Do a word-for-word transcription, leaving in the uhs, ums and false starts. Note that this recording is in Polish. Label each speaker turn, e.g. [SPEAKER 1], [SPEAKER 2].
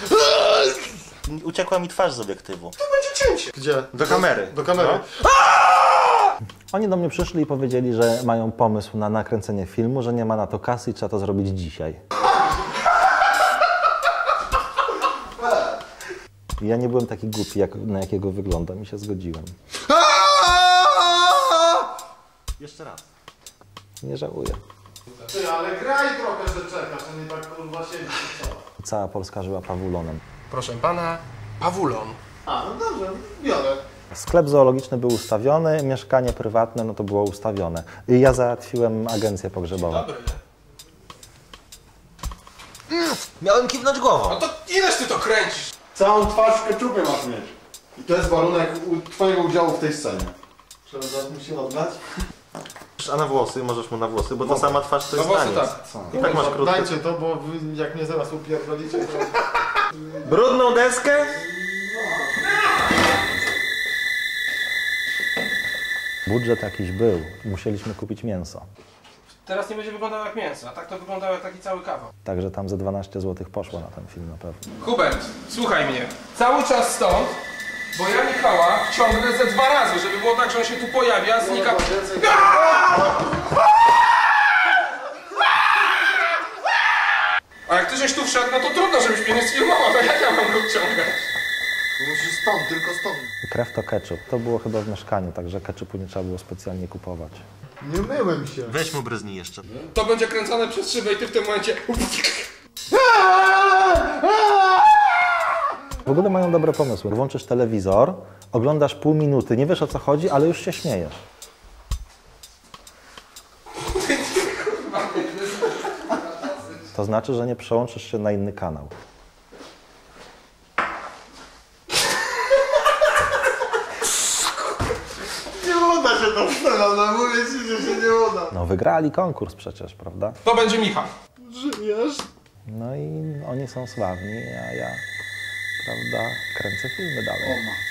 [SPEAKER 1] Uciekła mi twarz z obiektywu.
[SPEAKER 2] To będzie cięcie.
[SPEAKER 3] Gdzie?
[SPEAKER 1] Do kamery.
[SPEAKER 3] Do kamery.
[SPEAKER 1] No.
[SPEAKER 4] Oni do mnie przyszli i powiedzieli, że mają pomysł na nakręcenie filmu, że nie ma na to kasy i trzeba to zrobić dzisiaj. I ja nie byłem taki głupi, jak, na jakiego wyglądam i się zgodziłem.
[SPEAKER 1] Jeszcze raz.
[SPEAKER 4] Nie żałuję.
[SPEAKER 3] Ty, ale graj trochę, że czekasz, a nie tak kurwa siedzisz i co?
[SPEAKER 4] Cała Polska żyła pawulonem.
[SPEAKER 2] Proszę pana, pawulon.
[SPEAKER 3] A, no dobrze, biorę.
[SPEAKER 4] Sklep zoologiczny był ustawiony, mieszkanie prywatne no to było ustawione. I ja załatwiłem agencję pogrzebową.
[SPEAKER 2] Dobry.
[SPEAKER 1] Miałem kiwnąć głową.
[SPEAKER 2] No to ileż ty to kręcisz?
[SPEAKER 3] Całą twarz w keczupie masz mieć. I to jest warunek u, twojego udziału w tej scenie. Trzeba zaraz mu się oddać?
[SPEAKER 1] A na włosy, możesz mu na włosy, bo ta sama twarz to
[SPEAKER 2] No
[SPEAKER 1] jest
[SPEAKER 2] włosy
[SPEAKER 1] taniec.
[SPEAKER 2] tak.
[SPEAKER 1] I tak masz krótkie.
[SPEAKER 3] Dajcie to, bo wy jak mnie zaraz upierdolicie, to...
[SPEAKER 1] Brudną deskę?
[SPEAKER 4] Budżet jakiś był, musieliśmy kupić mięso.
[SPEAKER 2] Teraz nie będzie wyglądało jak mięso, a tak to wyglądało jak taki cały kawał.
[SPEAKER 4] Także tam ze dwanaście złotych poszło na ten film na pewno.
[SPEAKER 2] Hubert, słuchaj mnie. Cały czas stąd, bo ja Michała wciągnę ze dwa razy, żeby było tak, że on się tu pojawia, znika... A jak ty żeś tu wszedł, no to trudno, żebyś mnie nie sfilmował, to jak ja mam go wciągać?
[SPEAKER 3] Musisz stąd, tylko stąd.
[SPEAKER 4] Krew to ketchup. To było chyba w mieszkaniu, także ketchupu nie trzeba było specjalnie kupować.
[SPEAKER 3] Nie myłem się.
[SPEAKER 1] Weź mu bryznij jeszcze.
[SPEAKER 2] To będzie kręcone przez szybę i ty w tym momencie...
[SPEAKER 4] W ogóle mają dobre pomysły. Włączysz telewizor, oglądasz pół minuty, nie wiesz o co chodzi, ale już się śmiejesz. To znaczy, że nie przełączysz się na inny kanał.
[SPEAKER 3] Nie uda się to wstawiam, no mówię ci, że się nie uda.
[SPEAKER 4] No wygrali konkurs przecież, prawda?
[SPEAKER 2] To będzie Michał.
[SPEAKER 3] Żyjesz?
[SPEAKER 4] No i oni są sławni, a ja, prawda, kręcę filmy dalej.
[SPEAKER 3] O,